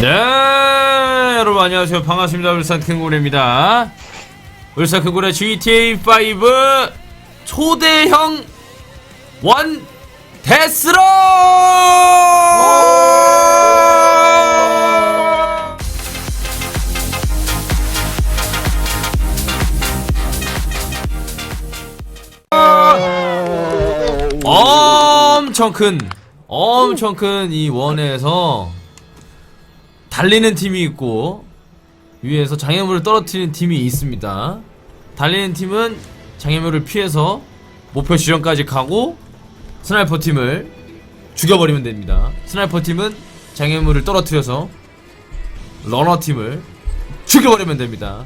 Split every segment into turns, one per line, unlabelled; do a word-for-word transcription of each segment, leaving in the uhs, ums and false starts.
네, 여러분 안녕하세요. 반갑습니다. 울산 큰고래입니다. 울산 큰고래 지티에이 파이브 초대형 원 데스로! 엄청 큰, 엄청 큰 이 원에서 달리는 팀이 있고 위에서 장애물을 떨어뜨리는 팀이 있습니다. 달리는 팀은 장애물을 피해서 목표 지점까지 가고 스나이퍼 팀을 죽여버리면 됩니다. 스나이퍼 팀은 장애물을 떨어뜨려서 러너 팀을 죽여버리면 됩니다.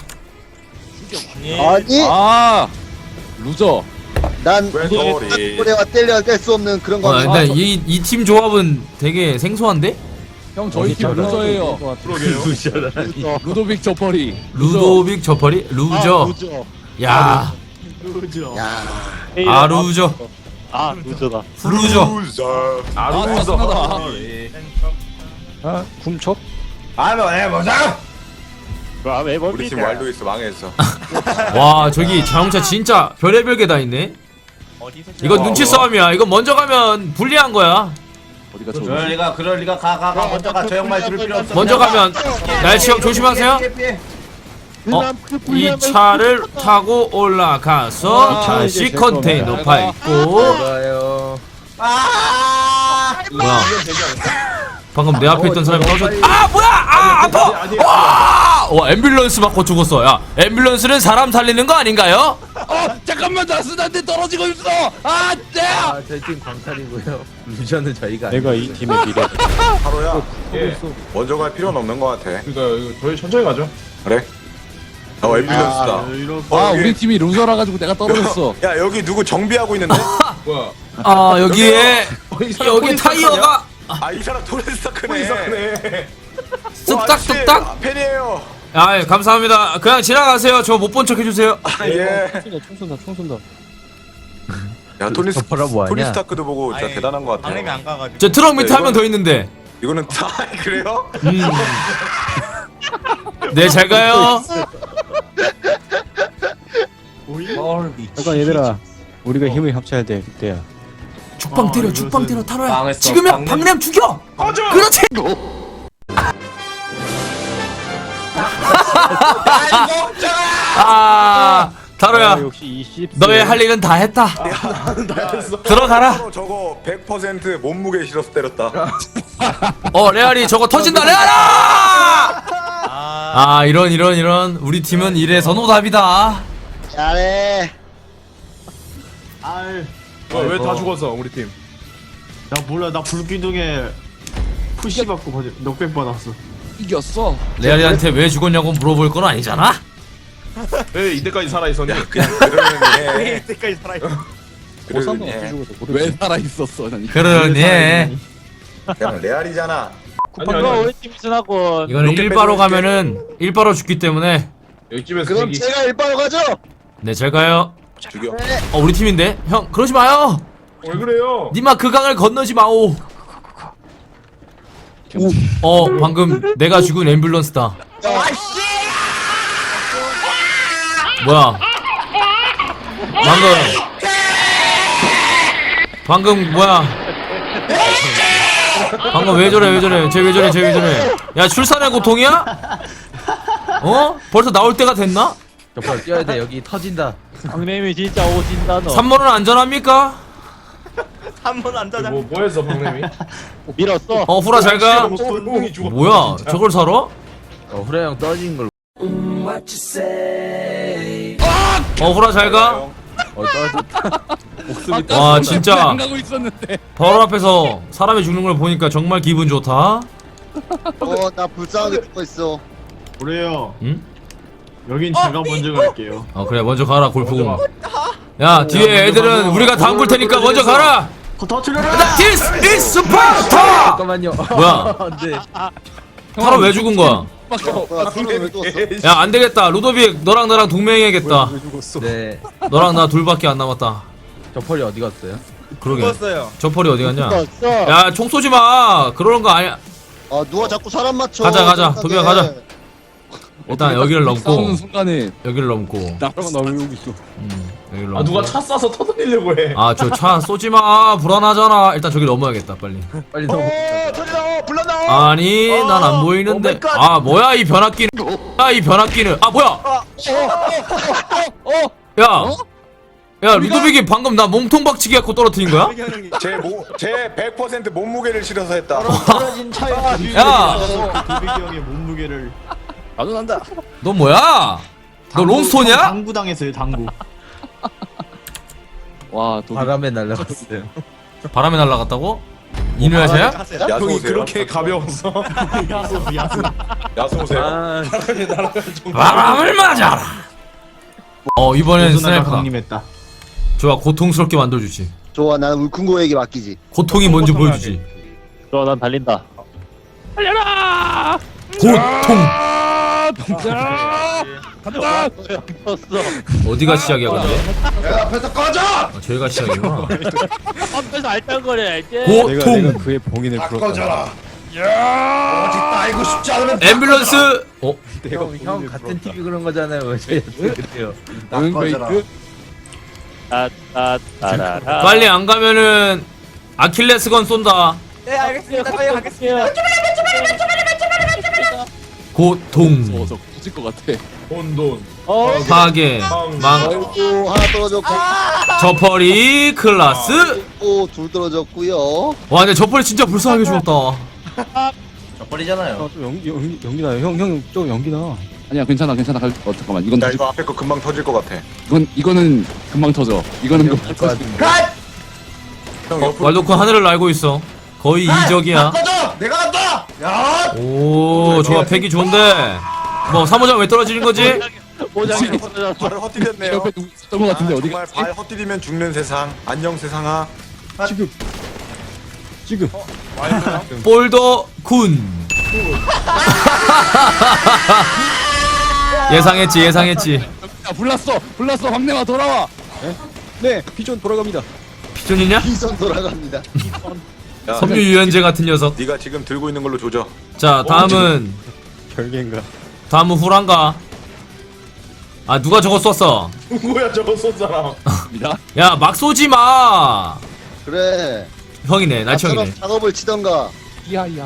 아니
아 루저.
난
왜 저리?
고래와 뗄래야 뗄 수 없는 그런
어,
거.
근데 이 이 팀 조합은 되게 생소한데?
형 저희 팀 루저예요.
그러게요.
루도빅 저퍼리.
루도빅 저퍼리? 루저. 야,
야,
아 루저.
아 루저다.
루저.
루저.
아 루저다.
아 훔쳐?
아뭐 해보자.
왜
우리 팀 왈도이스 망했어.
와, 저기 자동차 진짜 별의별 게 다 있네. 이거 눈치 싸움이야. 이거 먼저 가면 불리한 거야.
어디가 저?
그럴 리가 그럴 리가 가 가 가 먼저 가 저 형말 들을 필요 없어.
먼저 가면 날치 형 조심하세요.
피해, 피해.
어, 이 차를 타고 올라가서 다시 컨테이너 밟고.
아
뭐야? 방금 내 앞에 있던 사람이 떨어졌. 아 뭐야? 아 아파. 와, 와 앰뷸런스 맞고 죽었어. 야, 앰뷸런스는 사람 살리는 거 아닌가요?
어 잠깐만 나 스나한테 떨어지고 있어. 아 네.
아, 저희 팀 광탈이고요. 루저는 저희가
내가 이 팀의 미래.
하루야. 예. 먼저 갈 필요는 없는 것 같아.
그러니까 이거 저희 천천히 가죠.
그래? 어 앰뷸런스다. 어,
아
여기-
우리 팀이 루저라 가지고 내가 떨어졌어.
야 여기 누구 정비하고 있는데?
뭐야?
아 여기에
이 사람
여기
토니
타이어가
아 이 사람 토니 스타크네.
토니 스타크네.
뚝딱뚝딱.
팬이에요.
아, 예, 감사합니다. 그냥 지나가세요. 저 못 본 척 해주세요.
아, 예.
총 쏜다 총 쏜다.
야 토니 스
저퍼라 뭐하냐?
토니 스타크도 보고 진짜 대단한 것 같아.
방냄이 안 가가지고.
저 트럭 밑에 한 명 더 있는데.
이거는 다 그래요?
음. 네, 잘 가요.
잠깐 얘들아, 우리가 힘을 합쳐야 돼 그때야.
죽방 때려, 죽방 때려, 타로야.
망했어.
지금이야,
방냄.
방냄 죽여.
꺼져.
그렇지. 아, 타로야.
아, 역시 이 십.
너의 할 일은 다 했다. 들어가라.
서로 저거 백 퍼센트 몸무게 실어서 때렸다.
어, 레알이 저거 터진다, 레알아! 아, 이런, 이런, 이런. 우리 팀은 이래서 노답이다.
잘해.
왜 다 죽었어 우리 팀?
나 몰라. 나 불기둥에 푸시 받고 거짓 넉백 받았어.
이겼어.
레알이한테 왜 죽었냐고 물어볼 건 아니잖아?
왜 이때까지 살아 있었니?
그냥 그러면 해.
이때까지 살아있어.
그러면
어떻게
해.
죽어도 모르겠어.
왜 살아 있었어? 난 이거.
그러네.
그냥 레알이잖아.
아니 아니.
우리 팀이 순하군.
이거는 일바로 가면은 일바로 죽기 때문에.
여기 집에서
그럼
대기.
제가 일바로 가죠.
네, 잘 가요.
죽여.
어, 우리 팀인데? 형, 그러지 마요!
왜 그래요?
니마 그 강을 건너지 마오! 어, 방금 내가 죽은 앰뷸런스다. 뭐야? 방금. 방금, 뭐야? 방금 왜 저래, 왜 저래, 쟤 왜 저래, 쟤 왜 저래. 야, 출산의 고통이야? 어? 벌써 나올 때가 됐나?
저퍼 뛰어야 돼. 여기 터진다.
강림이 진짜 오진다 너.
삼 번은 안전합니까?
한번 앉아자.
뭐 뭐했어 방냄이?
밀었어.
어, 후라 잘 가.
똥이 죽었어.
뭐야? 저걸 사러?
어, 후라 형 떨어진 걸.
어, 후라 잘 가.
어, 떨어졌다. 목숨이
아까
와,
손에
진짜.
안 가고 있었는데.
바로 앞에서 사람이 죽는 걸 보니까 정말 기분 좋다.
어, 나 불쌍하게 죽고 있어.
그래요.
응?
여긴 제가 먼저 갈게요.
어, 그래, 먼저 가라, 골프공. 야, 뒤에 애들은 우리가 담글 테니까 먼저 가라!
거 터트려라.
This is Sparta!
잠깐만요.
뭐야?
네.
타로 왜 죽은 거야?
뭐야, 손을 왜 떴어?
야, 안 되겠다. 루도빅, 너랑 나랑 동맹해야겠다.
네.
너랑 나 둘밖에 안 남았다.
저펄이 어디 갔어요?
그러게.
죽었어요.
저펄이 어디 갔냐?
없어.
야, 총 쏘지 마. 그러는 거 아니야.
아 누가 자꾸 사람 맞춰.
가자, 가자.
정확하게.
도비야, 가자. 일단 여기를 넘고
싸우는 순간에
여기를 넘고
나랑 나 왜 여기 있어?
음, 여기를 넘고
아 누가 차 쏴서 터뜨리려고 해.
아 저 차 쏘지마 불안하잖아. 일단 저기 넘어야겠다 빨리.
빨리 넘어.
오 터지다 불났나?
아니 난 안 보이는데.
오마이갓.
아 뭐야 이 변압기는. 아 이 변압기는. 아 뭐야. 야. 야 루도빅이 방금 나 몸통 박치기 갖고 떨어뜨린 거야?
제제 백 퍼센트 몸무게를 실어서 했다.
떨어진 차에
야.
도비기 형의 몸무게를
나도 난다.
너 뭐야? 너 롱스톤이야?
당구 당했어요 당구.
와 도비.
바람에 날라갔어요.
바람에 날아갔다고? 이누야샤야?
야수
형이
오세요.
그렇게 가벼웠어.
야수 야수.
야수 오세요.
아,
바람을 맞아라. 어 이번엔
조선아가
스나이퍼다.
강림했다.
좋아 고통스럽게 만들어주지.
좋아 나는 울큰고에게 맡기지.
고통이 뭔지 보여주지.
좋아 난 달린다.
고통.
간다.
어디가 시작이야 근데?
야 앞에서 꺼져!
아, 저희가 시작이구나.
앞에서 알짱거려 알짱. 내가 내가
고통.
그의 봉인을
다
풀었다.
꺼져라 어디 따이고 싶지 않으면 다
앰뷸런스. 어?
형, 형 같은 티비 그런 거잖아요. 왜 저희한테 그래요?
응
꺼져라.
베이크.
따따따라라.
빨리 안 가면은 아킬레스건 쏜다.
네 알겠습니다 빨리 가겠습니다
고통.
어서 터질 것 같아.
혼돈.
어.
파괴. 망.
오 하나 떨어졌고
저펄이 클라스.
오둘 떨어졌고요.
와 근데 저펄이 진짜 불쌍하게 죽었다.
저 버리잖아요
좀 연기 연기 연기 나요. 형형좀 연기 나.
아니야 괜찮아 괜찮아. 갈- 어 잠깐만 이건
야
터질
이거 앞에 거 금방 터질 것 같아.
이건 이거는 금방 터져. 이거는 금방 터져.
갓!
형
어,
옆으로
왈도쿤 하늘을 날고 있어. 거의 이적이야.
꺼져! 내가 간다! 야!
오 좋아 패기 좋은데. 뭐 사모장 왜 떨어지는 거지?
오장이 터졌어.
발을 헛디뎠네요.
옆에 누구 있었던 것 같은데 어디
정말
갔지?
발 헛디디면 죽는 세상. 안녕 세상아.
지금 지금
볼더 군. 예상했지 예상했지.
야 불났어 불났어 황내마 돌아와.
네 피존 돌아갑니다.
피존이냐?
비선 돌아갑니다.
야,
섬유 유연제 같은 녀석.
네가 지금 들고 있는 걸로 조져.
자 다음은
별개인가?
다음은 후란가. 아 누가 저거 쐈어?
누구야 저거 쏜 사람?
야 막 쏘지 마.
그래.
형이네
나처럼
날형이네.
작업을 치던가.
야야.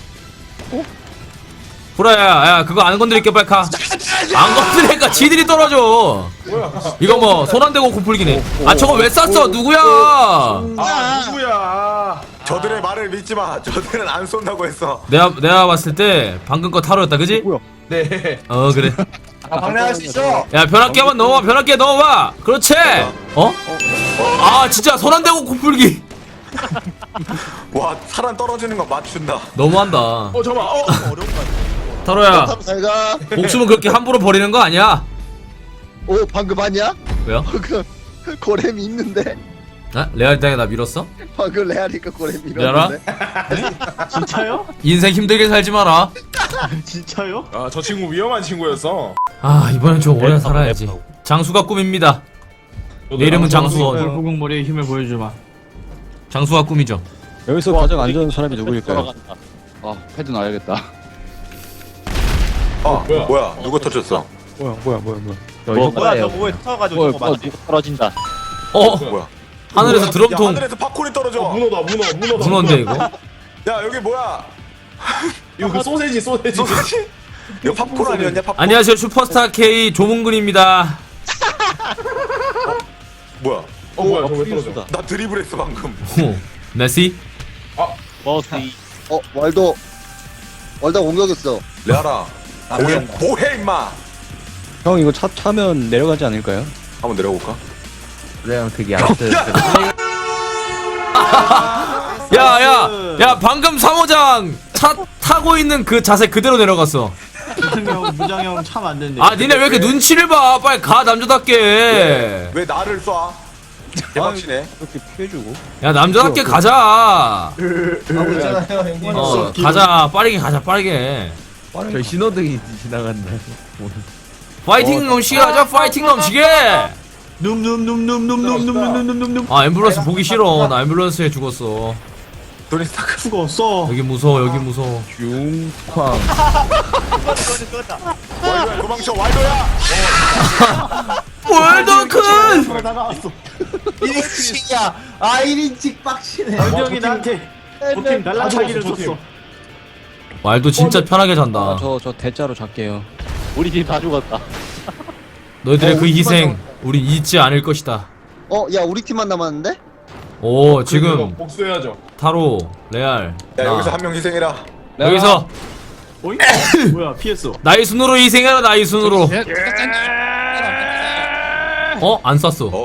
후라야 야 그거 안 건드릴게 빨리 가. 안 건드리니까 지들이 떨어져. 이거 뭐 손 안 대고 고풀기네. 아 저거 왜 쐈어 누구야?
아 누구야?
저들의 말을 믿지 마. 저들은 안 쏜다고 했어.
내가 내가 봤을 때 방금 거 타로였다 그지?
뭐야?
네.
어 그래.
아 방해할 수 있어
야 변압기 한번 넣어봐 변압기에 넣어봐. 그렇지. 어? 아 진짜 손 안 대고 고풀기.
와 사람 떨어지는 거 맞춘다.
너무한다.
어 잠깐. 어.
타로야
잘 가.
목숨은 그렇게 함부로 버리는 거 아니야.
오 방금 봤냐?
왜요?
방금 고렘이 있는데.
아? 레알 땅에 나 밀었어?
방금 레아리가 고렘
미안하?
밀었는데.
진짜요?
인생 힘들게 살지 마라.
진짜요?
아저 친구 위험한 친구였어.
아 이번엔 좀 오래 살아야지. 장수가 꿈입니다. 내 이름은 장수원.
돌보공 머리의 힘을 보여주마.
장수가 꿈이죠.
여기서 가장 안전한 사람이 누구일까요? 돌아간다.
아 패드 놔야겠다.
어
뭐야?
뭐야? 누가 터졌어?
뭐야 뭐야 뭐야 뭐야.
저
뭐,
이거
뭐야
봐요.
저 뭐에 터가지고
뭐야
저거
뭐야
맞지?
떨어진다.
어
뭐야?
하늘에서
야
드럼통
하늘에서 팝콘이 떨어져.
어, 문어다 문어 문어다.
문어인데 이거.
야 여기 뭐야?
이거 그 소세지 소세지.
소세지? 이거 팝콘 아니었냐? 팝콘?
안녕하세요 슈퍼스타 K 조문근입니다.
뭐야?
어 뭐야 저거 왜 떨어져?
나 드리블했어 방금.
오, 메시.
버스이.
어 왈도. 왈도 공격했어.
레아라. 뭐해 뭐해 임마.
형 이거 차 타면 내려가지 않을까요?
한번 내려볼까?
그래 형 되게 얕은.
야야 야 방금 사모장 차 타고 있는 그 자세 그대로 내려갔어.
무장형 무장형 참 안 되는데.
아 니네 왜 이렇게 눈치를 봐? 빨리 가 남자답게.
왜 나를 쏴? 대박치네.
이렇게 피해주고.
야 남자답게 가자.
있잖아요 형님
어 가자 빠르게 가자 빠르게.
저 신호등이 지나간다.
파이팅 넘치게 하자 파이팅 넘치게.
눔눔눔눔눔눔눔눔눔눔.
아 앰뷸런스 보기 싫어. 나 앰뷸런스에 죽었어.
토니 스타크.
수가 없어.
여기 무서워 여기 무서워.
융쾅.
와일도야 도망쳐 와일도야.
월더큰.
나가왔어.
일 인칭이야. 아 일 인칭 빡치네.
원정이 나한테 도팀 날라가기를
줬어,
줬어.
말도 진짜 편하게 잔다.
저저 대자로 잘게요.
우리 팀 다 죽었다.
너희들의
어,
그
우리
희생 우리 잊지 않을 것이다.
어, 야, 우리 팀만 남았는데?
오 지금
복수해야죠.
타로 레알
야
나.
여기서 한 명 희생해라.
여기서
어이? 뭐야 피했어.
나의 순으로 희생해라 나의 순으로. 어? 안 쐈어.
어?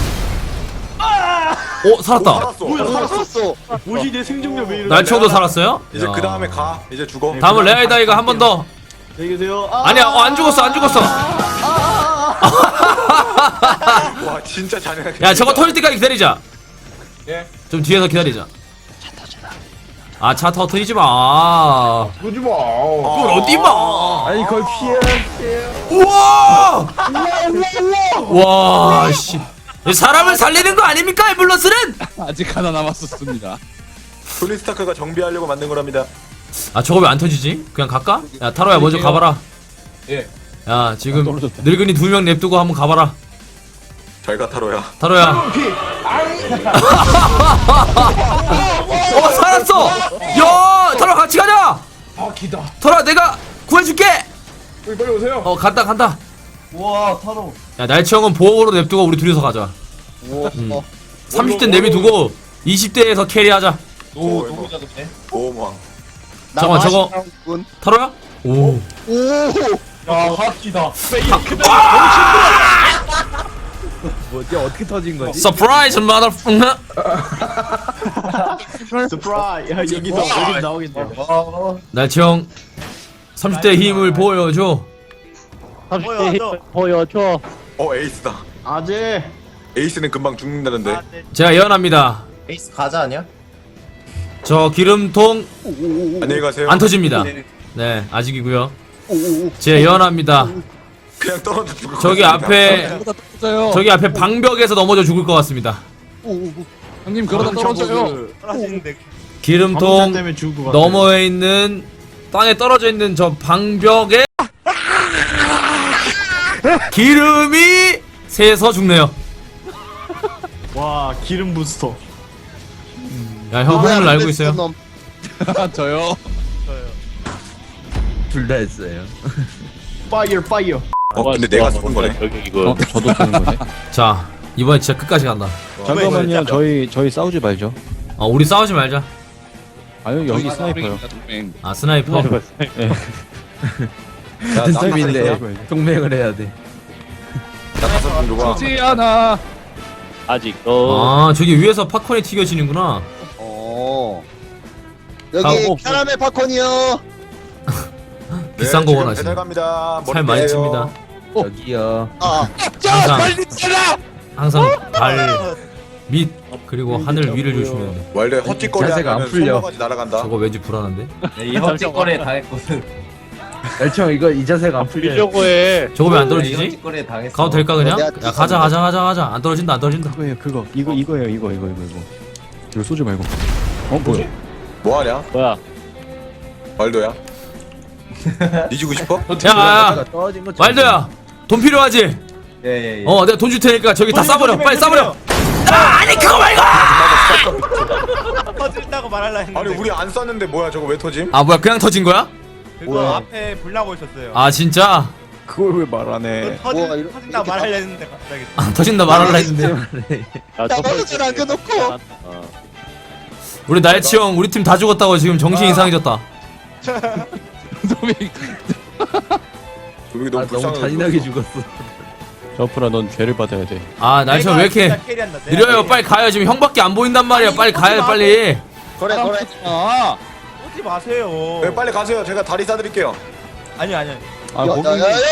어? 살았다.
살았어.
뭐야 살았어.
살았어.
뭐지 내 생존력 왜 이래?
날초도 살았어요?
이제
야.
그 다음에 가. 이제 죽어.
다음은 레알다이가 한 번 더.
안녕히 계세요. 아,
아니야 어, 안 죽었어 안 죽었어.
와 진짜 잔인하게.
야 저거 터질 때까지 기다리자.
예.
좀 뒤에서 기다리자. 아 차 터뜨리지 마.
그러지 마.
그걸 어디 봐.
아니 그걸 피해야
우와! 와, 씨. 사람을 살리는 거 아닙니까, 앰뷸런스는?
아직 하나 남았었습니다.
토니 스타크가 정비하려고 만든 거랍니다.
아, 저거 왜 안 터지지? 그냥 갈까? 야, 타로야, 먼저 가봐라.
예.
야, 지금 늙은이 두 명 냅두고 한번 가봐라.
잘 가 타로야.
타로야. 어, 살았어! 야, 타로 같이 가자!
아 기다.
타로야, 내가 구해줄게!
빨리 빨리 오세요.
어, 간다, 간다.
와 타로.
야, 날치 형은 보호로 냅두고 우리 둘이서 가자.
우와. 어.
삼십 대 내비두고 이십 대에서 캐리하자.
오 너무 작네. 오망.
잠깐만, 저거.
군.
타로야? 오.
오!
야 하키다.
뭐지 어떻게 터진 거지?
서프라이즈 마더.
스프라이. 야 여기서 여기 나오겠네.
날치 형 삼십 대 힘을 보여줘.
삼십 대 힘을 보여줘.
어 에이스다.
아재.
에이스는 금방 죽는다는데.
제가 예언합니다.
에이스 가자 아니야?
저 기름통
안녕히 가세요.
안 터집니다. 네, 아직이고요. 제가 예언합니다.
그냥 떨어져 죽을 것
저기
같습니다.
앞에
떨어져요.
저기 앞에 방벽에서 넘어져 죽을 것 같습니다.
형님 그러다 떨어져요.
기름통
때문에 죽을 것 같아.
너머에 있는 땅에 떨어져 있는 저 방벽에 기름이 새서 죽네요.
와 기름 부스터.
야, 형 하늘 알고 있어요?
놈.
저요.
둘 다 했어요.
파이어 파이어.
어 근데 내가 쏜 거네.
어 저도 쓰는 거네.
자, 이번에 진짜 끝까지 간다.
잠깐만요. 저희 저희 싸우지 말죠.
어, 우리 싸우지 말자.
아유 여기 스나이퍼요.
동맹.
아, 스나이퍼.
야
팀인데 동맹을 해야 돼.
나 다섯 분 누가?
지지 않아. 아직도.
아, 저기 위에서 팝콘이 튀겨지는구나.
어. 여기
가고.
캐러멜 팝콘이요.
비싼 거 원하시네.
배달 갑니다.
살 많이 칩니다.
여기요.
아,
항상 항상 발 밑 그리고 하늘 위를 조심해야 돼.
원래 헛짓거리
자세가 안
하면
풀려.
손모가지 날아간다.
저거 왠지 불안한데?
이 헛짓거리에 당했거든.
날청 이거 이 자세가 안 풀려.
이려고 해.
저거 왜 안
이
떨어지지?
헛짓거리에 당했어.
가도 될까 그냥?
내가
야, 가자 가자 가자 가자. 안 떨어진다 안 떨어진다.
그거예요 그거. 이거 이거예요 이거 이거 이거 이거. 이거 쏘지 말고. 어 뭐야?
뭐하냐?
뭐야?
말도야. 뒤지고 싶어?
야, 야,
떨어진 거.
말도야. 돈 필요하지?
예예 예.
어, 내가 돈 줄 테니까 저기 다 싸버려. 빨리 싸버려. 아, 아니 그거 말고.
터진다고 말할라 했는데
아니 우리 안 쐈는데 뭐야 저거 왜 터짐?
아, 뭐야? 그냥 터진 거야?
그거
뭐야.
앞에 불 나고 있었어요.
아, 진짜?
그걸 왜 말 안 해?
그거 터진,
우와, 이렇게-
터진다고
이렇게
말하려 했는데 갑자기
아, 터진다 말할라 했는데.
야,
나가서 줄 안겨놓고.
우리 날치 형 우리 팀 다 죽었다고 지금 정신 이상해졌다.
동맹.
조명이
아,
너무
너무
불쌍해.
잔인하게 죽었어.
저프라 넌 죄를 받아야 돼.
아, 날치 형 왜 이렇게 느려요? 빨리 가요. 지금 형밖에 안 보인단 말이야. 빨리 가요 빨리.
그래, 그래.
아.
오지 마세요.
네, 빨리 가세요. 제가 다리 싸드릴게요.
아니 아니.
아
야,
거기
야, 야, 야, 야, 야,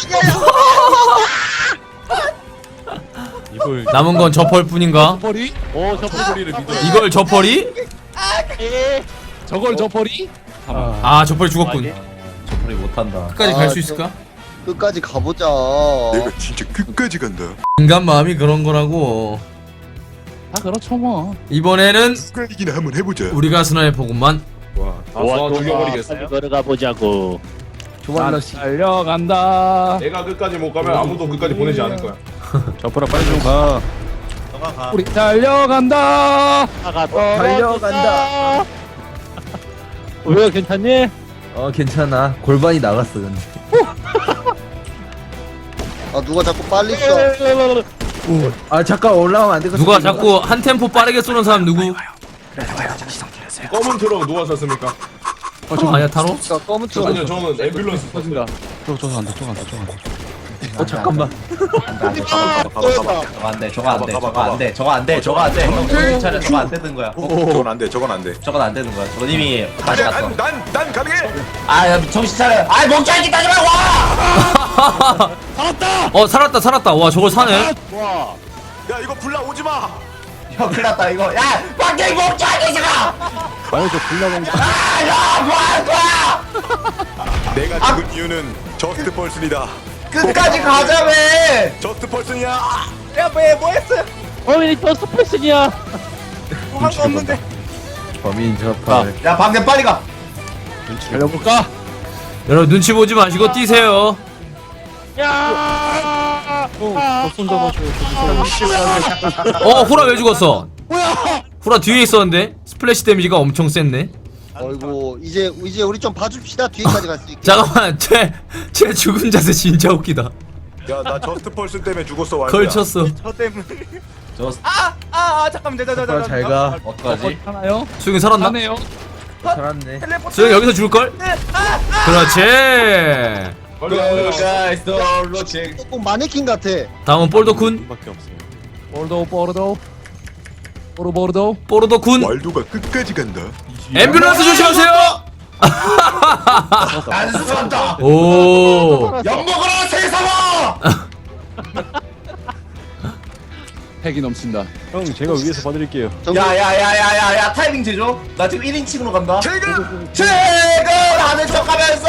이걸
남은 건 저펄 뿐인가?
저펄이? 오 저펄이를 믿어.
이걸 저펄이?
저걸 저펄이?
아, 저펄이 죽었군.
저펄이 못한다.
끝까지
아,
갈 수
저-
있을까?
끝까지 가보자.
내가 진짜 끝까지 간다.
인간 마음이 그런 거라고.
아 그렇죠 뭐.
이번에는
이기나 한번 해보자.
우리가 스나이퍼구만.
다 쏴 죽여버리겠어.
걸어가 보자고.
난 달려간다.
내가 끝까지 못 가면 아무도 끝까지 보내지 않을 거야.
저프라 빨리 좀 가.
너가 가.
우리 달려간다.
달려간다.
우리가 괜찮니?
어 괜찮아. 골반이 나갔어 근데.
아 누가 자꾸 빨리 써.
아 잠깐 올라오면 안 돼.
누가 자꾸 한 템포 빠르게 쏘는 사람 누구?
검은 트럭 누가 샀습니까?
어, 저 아니야 타로?
자 검은 쪽.
아니요 저는 앰뷸런스
터진다.
저거 저거 안돼 저거 안돼 저거 안돼.
어 잠깐만.
저거 안 돼. 저거 안 돼. 저거 안 돼. 저거 안 돼. 저거 안 돼. 형 정신 차려. 저거 안 되는 거야.
저건 안 돼. 저건 안 돼.
저건 안 되는 거야. 저건 이미 다시 갔어.
난난 가능해.
아, 야, 정신 차려. 아, 멍청이 따지 말고 와!
어 살았다 살았다. 와 저걸 사네.
야 이거 불나 오지 마.
형, 큰일 났다, 이거. 야, 밖에 멍청이 지가!
아니 저 불나방.
아, 야, 뭐 할 거야!
내가 죽은 이유는 저스트 펄슨이다.
끝까지 가자며!
저스트 펄슨이야.
야, 뭐, 뭐 했어요?
어머니 저 스페이스냐?
한 거 없는데.
범인 저팔.
야, 방금 빨리 가!
달려볼까?
여러분 눈치 보지 마시고 뛰세요.
저손 잡아줘.
어 후라 왜 죽었어? 후라 뒤에 있었는데 스플래시 데미지가 엄청 셌네.
어이구 이제 이제 우리 좀 봐줍시다. 뒤에까지 갈 수 있게.
잠깐만 쟤, 쟤 죽은 자세 진짜 웃기다.
야 나 저스트 펄슨 때문에 죽었어. 완전.
걸쳤어.
저 때문에.
저
아, 아, 아, 잠깐만, 저, 저, 저, 저,
후라 잘 가.
어떡하지?
하나요?
수영이 살았나?
하네요.
살았네.
텔레포트!
수영이 여기서 죽을걸? 그렇지.
빨리 빨리.
가이스, 로칭.
조금 마네킹 같아.
다음은 볼도쿤.
밖에 없어요.
보르도 보르도. 보르 보르도.
뽀로도쿤.
왈도가 끝까지 간다.
앰뷸런스 조심하세요.
안 쏜다!
오.
엿먹으러 세상아!
핵이 넘친다.
형 제가 위에서 봐드릴게요.
정글.
야, 야, 야, 야, 야, 야, 타이밍 제조. 나 지금 일 인칭으로 간다.
지금.
최근 하는 척하면서.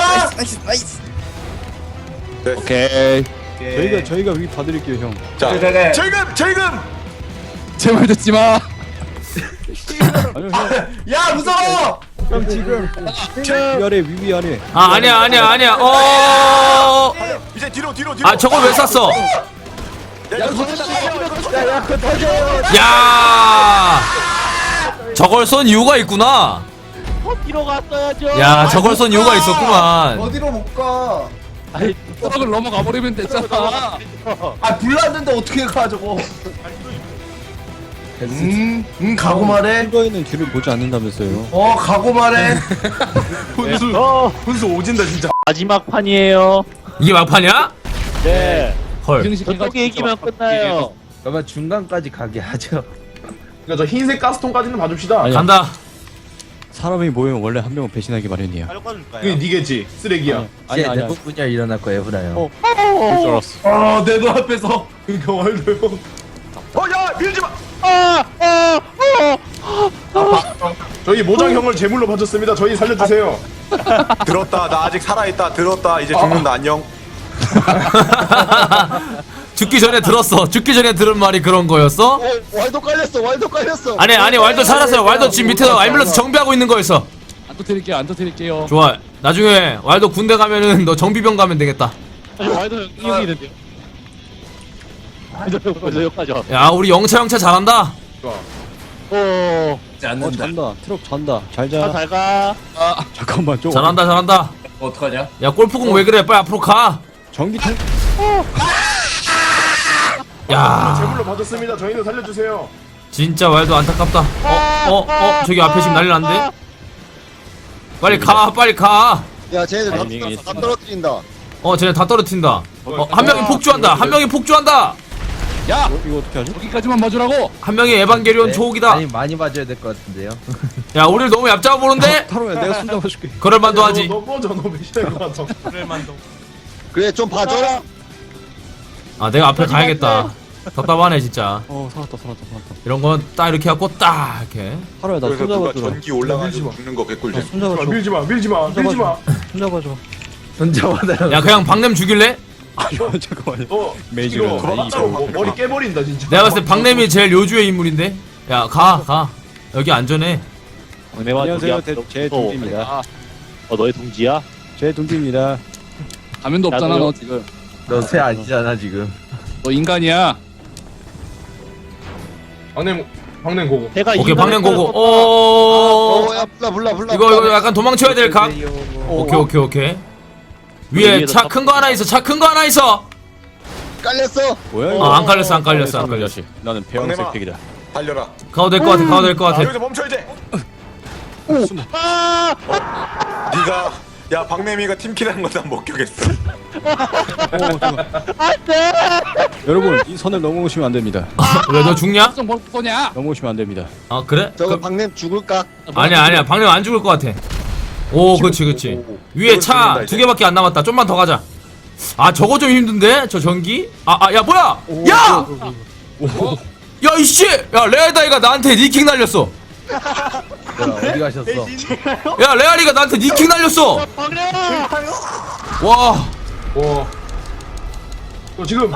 오케이.
오케이.
저희가 저희가 위 봐드릴게요 형.
자
그래, 그래.
지금 지금.
제 말 듣지 마.
아니요 형.
야, 무서워.
위 아래 위 위 아래.
아 아니야 아니야 아니야. 어.
이제 뒤로 뒤로 뒤로.
아 저걸 왜 쐈어?
야,
야. 저걸 쏜 이유가 있구나.
뒤로 갔어야죠.
야 저걸 쏜 이유가 있었구만.
어디로 못 가?
트럭을 넘어가 버리면 됐잖아.
아, 불났는데 어떻게 가 저거? 음, 음, 가고 말해.
이거에는 뒤를 보지 않는다면서요.
어, 가고 말해.
훈수 훈수 오진다 진짜.
마지막 판이에요.
이게 막판이야?
네.
헐.
저쪽에 이기면 끝나요.
그러면 중간까지 가게 하죠.
그러니까 저 흰색 가스통까지는 봐줍시다.
아니,
간다.
사람이 모이면 원래 한 명은 배신하기 마련이야.
그게 니겠지. 쓰레기야.
아니
이제
아니.
내부 분야 일어날 거예요 후라 형.
어. 그럴 줄 알았어.
아, 내 눈앞에서.
그러니까 왈도 형.
어야 밀지 마.
저희 모장 형을 제물로 바쳤습니다. 저희 살려주세요.
들었다. 나 아직 살아 있다. 들었다. 이제 죽는다. 안녕.
죽기 전에 들었어. 죽기 전에 들은 말이 그런 거였어?
어, 왈도 깔렸어. 왈도 깔렸어.
아니 아니 왈도 살았어요. 왈도 지금 밑에서 앰뷸런스 정비하고 있는 거였어.
안 터뜨릴게요. 안 터뜨릴게요.
좋아. 나중에 왈도 군대 가면은 너 정비병 가면 되겠다.
와이도 형 여기 있는데요. 와이도 형 벌써 여기까지 와.
야 우리 영차 영차 잘한다.
오. 어
않는다.
잔다. 트럭 잔다. 잘 자. 잘 가. 아 잠깐만 좀.
잘한다 잘한다.
어떡하냐?
야 골프공 왜 그래? 빨리 앞으로 가.
전기통.
야
제물로 바쳤습니다. 저희는 살려주세요.
진짜 왈도 안타깝다. 어 어 어 저기 앞에 지금 난리 났는데. 빨리 가 빨리 가.
야 쟤네들 다,
타이밍이
다 떨어뜨린다.
어 쟤네 다 떨어뜨린다. 어, 한 명이 폭주한다. 한 명이 폭주한다.
야,
이거, 이거 어떻게 하지?
여기까지만 봐주라고.
한 명이 에반게리온
네,
초옥이다.
아니 많이 봐줘야 될 것 같은데요.
야 우리를 너무 얕잡아 보는데?
타로야 내가 손 잡아줄게.
그럴만도 하지.
너, 너 꺼져. 너 배신할 것 같아.
그래 좀 봐줘라.
아 내가 앞에 가야겠다. 답답하네 진짜.
어 살았다 살았다 살았다.
이런 건 딱 이렇게 갖고 딱 이렇게.
타로야 나
그래서
손
누가
잡아주라.
전기 올라가지고 죽는 거 개꿀잼.
손 잡아줘.
밀지 마. 밀지 마. 밀지 마.
손 잡아줘.
던져봐달라.
야 그냥 박냄 죽일래?
아니요 잠깐만요.
너
메이저가
이거
아니죠.
맞다고 머- 머리 깨버린다 진짜.
내가 봤을 때 박냄이 제일 요주의 인물인데. 야 가 가. 여기 안전해.
안녕하세요. 대- 제 동지입니다.
어 너의 동지야?
제 동지입니다.
가면도 없잖아
나도요.
너 지금.
너 새 아니잖아 지금.
너 인간이야.
박냄 박냄 고고.
내가
오케이
인간을
방향 고고.
끌어서-
오.
어야 불러 불러 불러.
이거 이거 약간 도망쳐야 될 각. 오케이 오케이 오케이. 위에
위에다
차
탑-
큰 거 하나 있어. 차 큰 거 하나 있어.
깔렸어.
뭐야
어,
이거?
안 깔렸어 안 깔렸어 안 깔렸어.
나는
박내마.
배영색 팩이다.
달려라.
가도 될 것 같아 가도 될 것
아,
같아.
여기서 멈춰 이제. 아! 네가 야 박내미가 팀킬하는 건난 목격했어.
여러분 이 선을 넘어오시면 안 됩니다.
왜 너 죽냐?
좀 뭘 쏘냐?
넘어오시면 안 됩니다.
아 그래?
저거
그,
박냄 죽을까?
아니야 아니야 방금 안 죽을 것 같아. 오 그렇지 그렇지. 위에 차 두 개밖에 안 남았다. 좀만 더 가자. 아 저거 좀 힘든데 저 전기? 아 아 야 뭐야? 야! 야 이씨! 야 레알다이가 나한테 니킥 날렸어.
어디 가셨어?
야 레알이가 나한테 니킥 날렸어. 와
와. 너 지금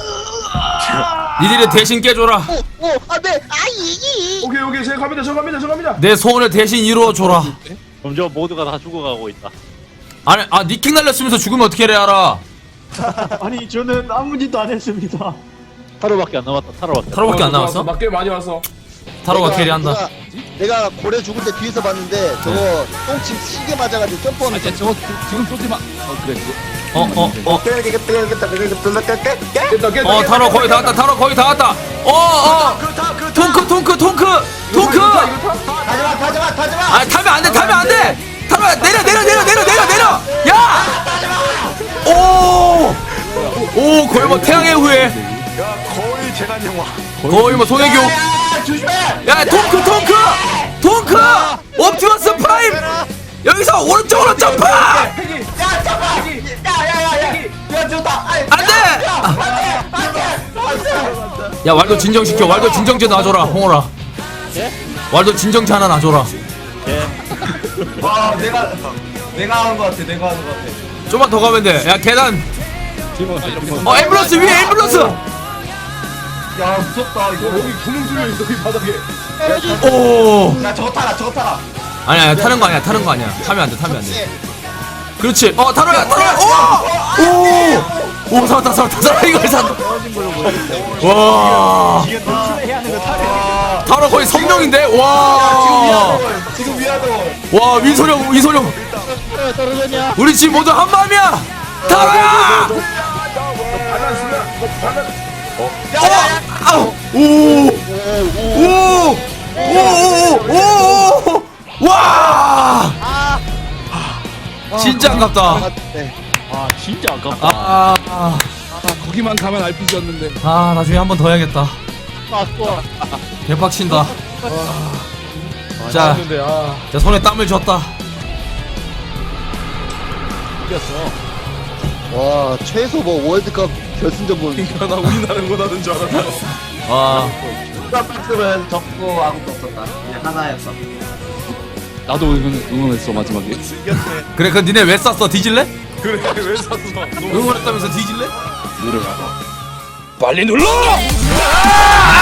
니들이 대신 깨줘라.
오, 오, 안 돼. 아, 이, 이.
오케이 오케이 제가 갑니다 저 갑니다 저 갑니다.
내 소원을 대신 이루어줘라.
점점 모두가 다 죽어가고 있다.
아니 아 니킥 날렸으면서 죽으면 어떻게 레알아?
아니 저는 아무 짓도 안 했습니다.
타로밖에 안 남았다. 타로밖에.
타로밖에 안
어,
나왔어?
맞게 많이 왔어.
타로가
내가-
캐리한다.
내가, 내가 고래 죽을 때 뒤에서 봤는데 저거 똥침 시계 맞아가지고 점프하는
아, 야, 저거 지금 쏘지 마. 어 그래. 그거.
어 어 어.
깼다 깼다.
어 타로 거의 다 왔다. 타로 거의 다 왔다. 어 어. 통크 통크 통크 통크.
타지마 타지마 타지마.
아 타면 안 돼. 타면 안 돼. 타로야 내려 내려 내려 내려 내려 내려. 야. 오. 오 거의 뭐 태양의 후예.
야 거의 재난 영화.
거의 뭐 송혜교. 야 통크 통크 통크. 옵티머스 프라임. 여기서 오른쪽으로 점프. 안돼. 야 왈도 진정시켜. 왈도 진정제 놔줘라 홍어라. 왈도 진정제 하나 놔줘라.
와 내가 내가 하는 거 같아. 내가 하는 거 같아.
좀만 더 가면 돼. 야 계단.
팀원 팀원.
어 앰뷸런스 위에 앰뷸런스.
야 무섭다 이거.
여기 구멍 뚫려 있어 이 바닥에.
오.
야 저거 타라 저거 타라.
아니야 아니야, 타는 거 아니야 타는 거 아니야. 타면 안 돼 타면 안 돼. 그렇지. 어 타로야 타로야. 오. 오 살았다 살았다 살았다 이걸 살았다. 와. 타로 거의 성령인데. 와.
지금 위아더.
와 민소령 민소령. 우리 지금 모두 한 마음이야. 타로야. 어. 오. 오. 오오오오. 와. 진짜 아깝다.
아 진짜 아깝다.
아, 아,
아, 거기만 가면 알피지였는데.
아 나중에 한 번 더 해야겠다.
아 또.
개빡친다. 자,
근데 아.
자 손에 땀을 줬다.
와 최소 뭐 월드컵 결승전 보는.
나 우리나라 거다는 줄 알았다.
와,
박스는 적고 아무것도 없었다. 그냥 하나였어.
나도 응원, 응원했어 마지막에.
그래 그 니네 왜 쐈어? 뒤질래?
그래 왜 샀어?
응원했다면서 뒤질래?
빨리 눌러!
아!